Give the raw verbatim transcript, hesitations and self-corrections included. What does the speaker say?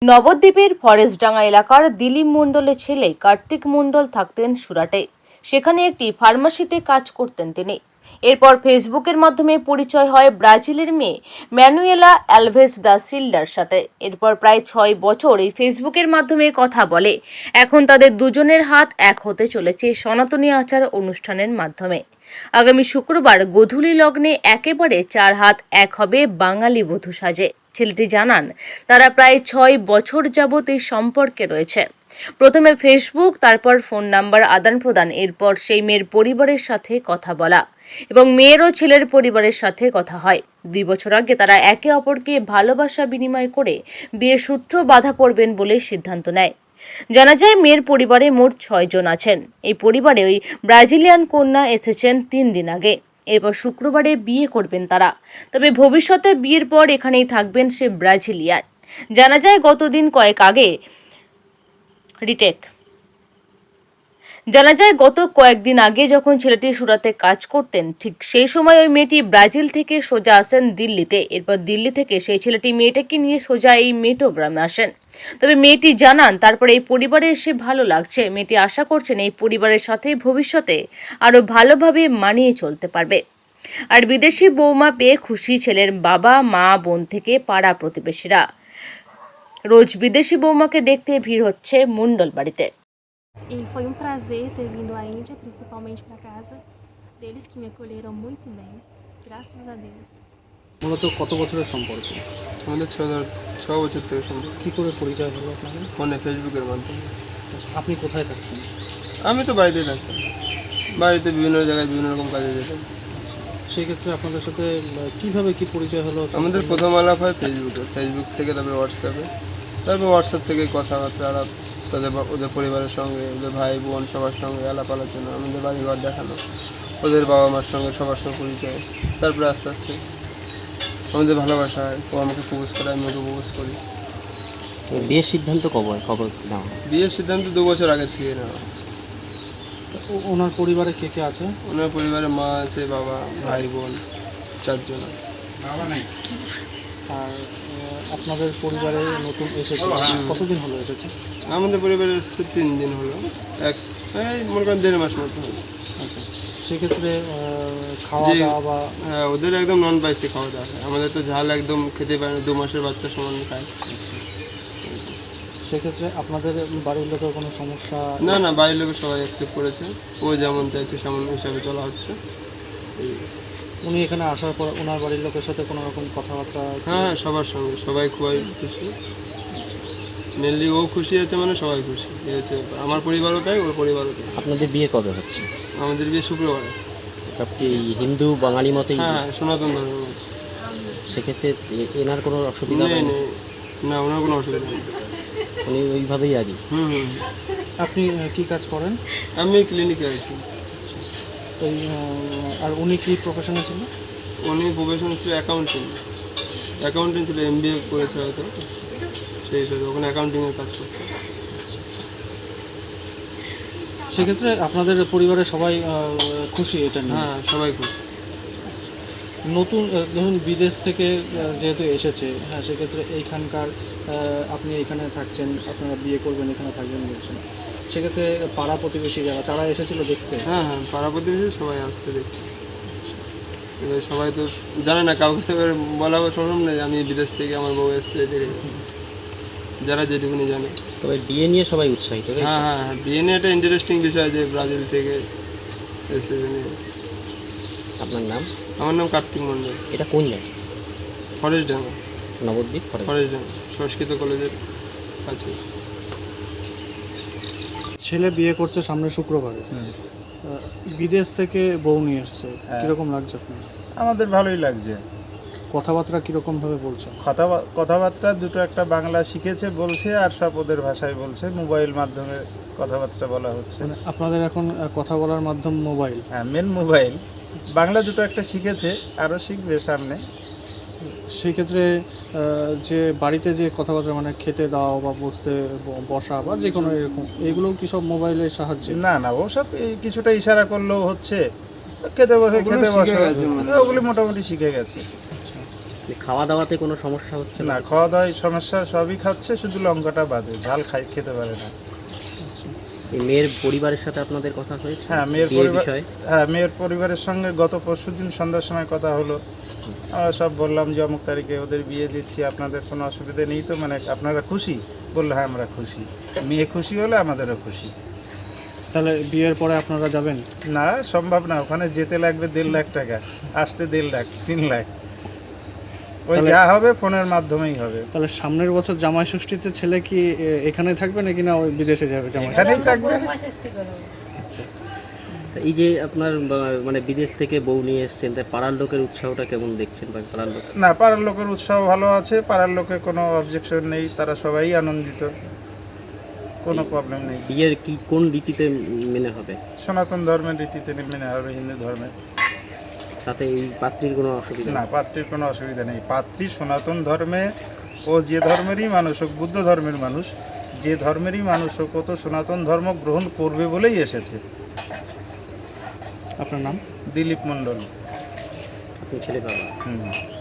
নবদ্বীপের ফরেস্টডাঙ্গা এলাকার দিলীপ মণ্ডলের ছেলে কার্তিক মণ্ডল থাকতেন সুরাটে। সেখানে একটি ফার্মাসিতে কাজ করতেন তিনি। এরপর ফেসবুকের মাধ্যমে পরিচয় হয় ব্রাজিলের মেয়ে ম্যানুয়েলা অ্যালভেজ দা সিল্ডার সাথে। এরপর প্রায় ছয় বছর এই ফেসবুকের মাধ্যমে কথা বলে। এখন তাদের দুজনের হাত এক হতে চলেছে সনাতনী আচার অনুষ্ঠানের মাধ্যমে। আগামী শুক্রবার গোধূলি লগ্নে একেবারে চার হাত এক হবে বাঙালি বধূ সাজে। ছেলেটি জানান, তারা প্রায় ছয় বছর যাবৎ এই সম্পর্কে রয়েছে। প্রথমে ফেসবুক, তারপর ফোন নাম্বার আদান প্রদান, এরপর সেই মেয়ের পরিবারের সাথে কথা বলা এবং মেয়ের ও ছেলের পরিবারের সাথে কথা হয়। দুই বছর আগে তারা একে অপরকে ভালোবাসা বিনিময় করে বিয়ের সূত্র বাঁধা পড়বেন বলে সিদ্ধান্ত নেয়। জানা যায়, মেয়ের পরিবারে মোট ছয় জন আছেন। এই পরিবারে ওই ব্রাজিলিয়ান কন্যা এসেছেন তিন দিন আগে। এরপর শুক্রবারে বিয়ে করবেন তারা। তবে ভবিষ্যতে বিয়ের পর এখানেই থাকবেন সে ব্রাজিলিয়ান। জানা যায়, গতদিন কয়েক আগে রিটেক জানা যায় গত কয়েকদিন আগে যখন ছেলেটি সুরাতে কাজ করতেন, ঠিক সেই সময় ওই মেয়েটি ব্রাজিল থেকে সোজা আসেন দিল্লিতে। এরপর দিল্লি থেকে সেই ছেলেটি মেয়েটাকে নিয়ে সোজা এই মেটোগ্রামে আসেন। তবে মেয়েটি জানান, তারপরে এই পরিবারে এসে ভালো লাগছে। মেয়েটি আশা করছেন এই পরিবারের সাথে ভবিষ্যতে আরও ভালোভাবে মানিয়ে চলতে পারবে। আর বিদেশি বৌমা পেয়ে খুশি ছেলের বাবা, মা, বোন থেকে পাড়া প্রতিবেশীরা। রোজ বিদেশি বৌমাকে দেখতে ভিড় হচ্ছে মণ্ডল বাড়িতে। E foi um prazer ter vindo à Índia, principalmente para casa deles, que me acolheram muito bem, graças a Deus. মূলত কত বছরের সম্পর্ক? আমাদের ছ ছ বছর থেকে সম্পর্ক। কী করে পরিচয় হলো আপনাদের? ফোনে, ফেসবুকের মাধ্যমে। আপনি কোথায় থাকতেন? আমি তো বাড়িতেই থাকতাম, বাড়িতে বিভিন্ন জায়গায় বিভিন্ন রকম কাজে যেতাম। সেই ক্ষেত্রে আপনাদের সাথে কীভাবে কি পরিচয় হলো? আমাদের প্রথম আলাপ হয় ফেসবুকে, ফেসবুক থেকে তারপরে হোয়াটসঅ্যাপে, তারপর হোয়াটসঅ্যাপ থেকে কথাবার্তা আলাপ, তাদের ওদের পরিবারের সঙ্গে, ওদের ভাই বোন সবার সঙ্গে আলাপ আলোচনা, আমাদের বাড়িঘর দেখানো, ওদের বাবা মার সঙ্গে সবার সঙ্গে পরিচয়। তারপরে আস্তে আস্তে আমাদের ভালোবাসা হয়। ও আমাকে প্রপোজ করে, আমি ওকে প্রপোজ করি। বিয়ের সিদ্ধান্ত কবে খবর নেওয়া? বিয়ের সিদ্ধান্ত দু বছর আগের থেকে নেওয়া। ওনার পরিবারে কে কে আছে? ওনার পরিবারে মা আছে, বাবা, ভাই বোন চারজন। আর আপনাদের পরিবারে নতুন এসেছে, কতদিন হলো এসেছে? আমাদের পরিবারে এসেছে তিন দিন হলো, এক এই মনে করেন দেড় মাস মতো হলো। আচ্ছা, সেক্ষেত্রে খাওয়া যে- দাওয়া বা হ্যাঁ, ওদের একদম নন স্পাইসি খাওয়া দাওয়া হয়। আমাদের তো ঝাল একদম খেতে পারে না, দু মাসের বাচ্চা সমান খায়। সেক্ষেত্রে আপনাদের বাড়ির লোকের কোনো সমস্যা? না না, বাড়ির লোক সবাই অ্যাকসেপ্ট করেছে। ও যেমন চাইছে সেমন হিসাবে চলা হচ্ছে। উনি এখানে আসার পর ওনার বাড়ির লোকের সাথে কোনো রকম কথাবার্তা? হ্যাঁ হ্যাঁ, সবার সঙ্গে সবাই খুবই খুশি। মেনলি ও খুশি আছে, মানে সবাই খুশি। এই হচ্ছে, আমার পরিবারও তাই, ওর পরিবারও তাই। আপনাদের বিয়ে কবে হচ্ছে? আমাদের বিয়ে শুক্রবারে। সব কি হিন্দু বাঙালি মতেই? হ্যাঁ, সনাতন ধর্ম। সেক্ষেত্রে এ- এনার কোনো অসুবিধা নেই নেই? নেই, না ওনার কোনো অসুবিধা নেই। উনি ওইভাবেই রাজি? হুম হুম। আপনি কি কাজ করেন? আমি ক্লিনিকে আছি। এই আহ, আর উনি কি প্রফেশনে ছিল? উনি প্রফেশন ছিল অ্যাকাউন্টিং, অ্যাকাউন্টিং ছিল, এম বি এ করেছে হয়তো, সেই হিসাবে ওখানে অ্যাকাউন্টিংয়ের কাজ করতো। সেক্ষেত্রে আপনাদের পরিবারের সবাই আহ, খুশি এটা নিয়ে? হ্যাঁ, সবাই খুশি। নতুন আহ, ধরুন বিদেশ থেকে আহ, যেহেতু এসেছে, হ্যাঁ, সেক্ষেত্রে এইখানকার আহ, আপনি এখানে থাকছেন, আপনারা বিয়ে করবেন, এখানে থাকবেন বলছেন, সেক্ষেত্রে পাড়া প্রতিবেশী যারা, তারা এসেছিল দেখতে? হ্যাঁ হ্যাঁ, পাড়া প্রতিবেশী সবাই আসছে দেখতে। এবার সবাই তো জানে না, কাউকে তো এবার বলা সম্ভব নেই আমি বিদেশ থেকে আমার বউ এসছে, এদিকে যারা যেটুকুনি জানে। তবে বিয়ে নিয়ে সবাই উৎসাহিত, তাই তো? হ্যাঁ হ্যাঁ হ্যাঁ, বিয়ে নিয়ে একটা ইন্টারেস্টিং বিষয় যে ব্রাজিল থেকে এসে নিয়ে। আপনার নাম? আমার নাম কার্তিক মণ্ডল। এটা কোন জায়গা? ফরেস্টডাঙ্গা, নবদ্বীপ ফরেস্ট। ফরেস্টডাঙ্গা সংস্কৃত কলেজের কাছে। ছেলে বিয়ে করছে সামনে শুক্রবারে, আহ, বিদেশ থেকে বউ নিয়ে এসেছে, কীরকম লাগছে আপনার? আমাদের ভালোই লাগছে। কথাবার্তা কীরকম ভাবে বলছে? কথা কথাবার্তা দুটো একটা বাংলা শিখেছে বলছে, আর সব ওদের ভাষায় বলছে, মোবাইল মাধ্যমে কথাবার্তা বলা হচ্ছে। মানে আপনাদের এখন আহ, কথা বলার মাধ্যম মোবাইল? হ্যাঁ, মেন মোবাইল। বাংলা দুটো একটা শিখেছে, আরও শিখবে সামনে। সেই ক্ষেত্রে আহ, যে বাড়িতে যে কথাবার্তা, মানে খেতে দাও বা বসতে ব- বসা বা যে কোনো এরকম, এগুলোও কি সব মোবাইলের সাহায্যে? না না, ওসব এই কিছুটা ইশারা করলেও হচ্ছে, খেতে বসে খেতে বসে, ওগুলি মোটামুটি শিখে গেছে। খাওয়া দাওয়াতে কোনো সমস্যা হচ্ছে না, খাওয়া দাওয়ায় সমস্যা সবই খাচ্ছে, শুধু লঙ্কাটা বাদে, ঝাল খাই খেতে পারে না। এই মেয়ের পরিবারের সাথে আপনাদের কথা হয়েছে? হ্যাঁ, মেয়ের বিয়ের পরিবার বিষয়ে? হ্যাঁ মেয়ের পরিবারের সঙ্গে গত পরশুদিন সন্ধ্যার সময় কথা হলো। আমরা সব বললাম যে অমুক তারিখে ওদের বিয়ে দিচ্ছি, আপনাদের কোনো অসুবিধা নেই তো, মানে আপনারা খুশি? বললো হ্যাঁ আমরা খুশি। মেয়ে খুশি হলে আমাদেরও খুশি। তাহলে বিয়ের পরে আপনারা যাবেন? না, সম্ভব না, ওখানে যেতে লাগবে দেড় লাখ টাকা, আসতে দেড় লাখ, তিন লাখ। ওই তাহলে- যা হবে ফোনের মাধ্যমেই হবে। তাহলে সামনের বছর জামাই ষষ্ঠীতে ছেলে কি এ, এখানে থাকবে নাকি না ওই বিদেশে যাবে জামাই এখানেই থাকবে। আচ্ছা। তা এই যে আপনার বা- মানে বিদেশ থেকে বউ নিয়ে এসছেন, তাই পাড়ার লোকের উৎসাহটা কেমন দেখছেন? বা পাড়ার লোক না, পাড়ার লোকের উৎসাহ ভালো আছে, পাড়ার লোকের কোনো অবজেকশন নেই, তারা সবাই আনন্দিত, কোনো প্রবলেম নেই। বিয়ের কি কোন রীতিতে মেনে হবে? সনাতন ধর্মের রীতিতে মেনে হবে, হিন্দু ধর্মের। তাতে এই পাত্রীর কোনো অসুবিধা না, নেই? পাত্রীর কোনো অসুবিধা নেই। পাত্রী সনাতন ধর্মে, ও যে ধর্মেরই মানুষ হোক, বুদ্ধ ধর্মের মানুষ, যে ধর্মেরই মানুষ হোক, ও তো সনাতন ধর্ম গ্রহণ করবে বলেই এসেছে। আপনার নাম? দিলীপ মণ্ডল। আপনি ছেলে বাবা। হুম।